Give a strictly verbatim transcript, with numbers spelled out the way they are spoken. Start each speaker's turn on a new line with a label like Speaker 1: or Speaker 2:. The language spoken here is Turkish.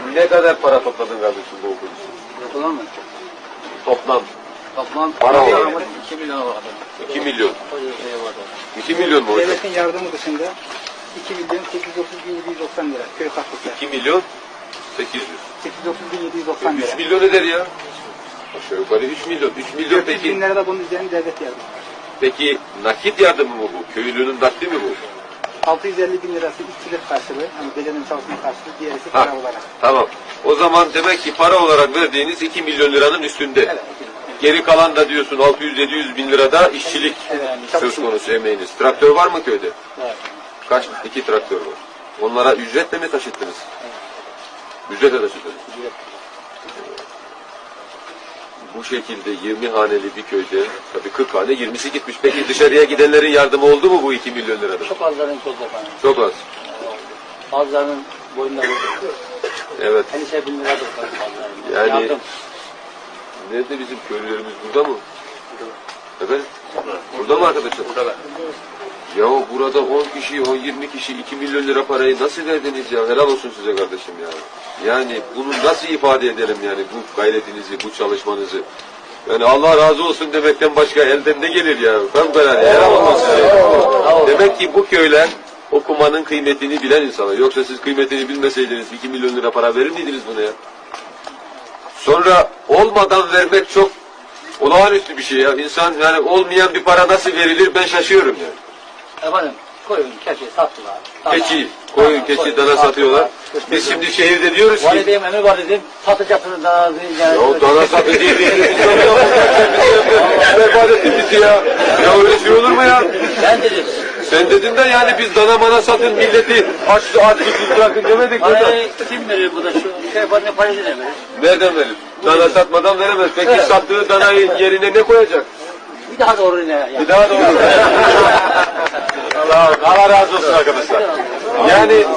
Speaker 1: Ne kadar para topladın kardeşim bu okul için?
Speaker 2: Toplam mı?
Speaker 1: Toplam.
Speaker 2: Toplam
Speaker 1: Para olarak.
Speaker 2: iki milyon vardı.
Speaker 1: iki milyon.
Speaker 2: Öyle bir şey vardı.
Speaker 1: iki milyon mu hocam?
Speaker 3: Devletin yardımı dışında iki milyon sekiz yüz otuz bin yedi yüz doksan lira köy katkısı.
Speaker 1: iki milyon sekiz yüz.
Speaker 3: sekiz yüz otuz bin yedi yüz doksan lira.
Speaker 1: üç milyon eder ya. Aşağı yukarı üç milyon. üç milyon
Speaker 3: dört yüz
Speaker 1: peki.
Speaker 3: bin lira da bunun üzerine devlet yardımı var.
Speaker 1: Peki nakit yardımı mı bu? Köylünün nakdi mi bu?
Speaker 3: altı yüz elli bin lirası işçilik karşılığı, hani gecenin çalışma karşılığı, diğerisi
Speaker 1: Ha,
Speaker 3: para olarak.
Speaker 1: tamam. O zaman demek ki para olarak verdiğiniz iki milyon liranın üstünde.
Speaker 3: Evet.
Speaker 1: Geri kalan da diyorsun altı yüz yedi yüz bin lirada işçilik
Speaker 3: Evet,
Speaker 1: söz konusu emeğiniz. Traktör var mı köyde?
Speaker 2: Evet.
Speaker 1: Kaç? İki traktör var. Onlara ücretle mi taşıttınız? Ücretle taşıttınız. Bu şekilde yirmi haneli bir köyde, tabii kırk hane yirmisi gitmiş. Peki dışarıya gidenlerin yardımı oldu mu bu iki milyon lirada?
Speaker 2: Çok azların çok efendim.
Speaker 1: Çok az.
Speaker 2: Bazılarının boyunda vurdu.
Speaker 1: Evet.
Speaker 2: Endişe bin lira tuttu bazılarının.
Speaker 1: Yani
Speaker 2: Yardım.
Speaker 1: nerede bizim köylülerimiz, burada mı? Efendim? Burada mı arkadaşlar?
Speaker 2: Burada.
Speaker 1: Ya burada on kişi, on yirmi kişi iki milyon lira parayı nasıl verdiniz ya? Helal olsun size kardeşim ya. Yani bunu nasıl ifade edelim yani bu gayretinizi, bu çalışmanızı? Yani Allah razı olsun demekten başka elden ne gelir ya? Fevkalade helal olsun size. Demek ki bu köyler okumanın kıymetini bilen insanlar. Yoksa siz kıymetini bilmeseydiniz iki milyon lira para verir miydiniz buna ya? Sonra olmadan vermek çok olağanüstü bir şey ya. İnsan yani olmayan bir para nasıl verilir ben şaşıyorum yani.
Speaker 2: Efendim koyun, keçi sattılar. Dana.
Speaker 1: Keçi, koyun, keçi, dana satıyorlar. Biz şimdi şehirde diyoruz ki
Speaker 2: Valideyim emir var dedim. Satacaksınız dana.
Speaker 1: ya dana satı diye bir berbat ettin bizi ya. Ya öyle şey olur mu ya?
Speaker 2: Ben dedim.
Speaker 1: Sen dedin de yani biz dana mana satın milleti aç aç susuz bırakın demedik mi?
Speaker 2: Parayı kim verir bu da şu şey var ne parayı ne verir?
Speaker 1: Nereden verir? Dana satmadan veremez. Peki
Speaker 2: Evet.
Speaker 1: sattığı danayı yerine ne koyacak?
Speaker 2: Bir daha doğru ne? Yani.
Speaker 1: Bir daha doğru. Allah, Allah razı olsun arkadaşlar. Yani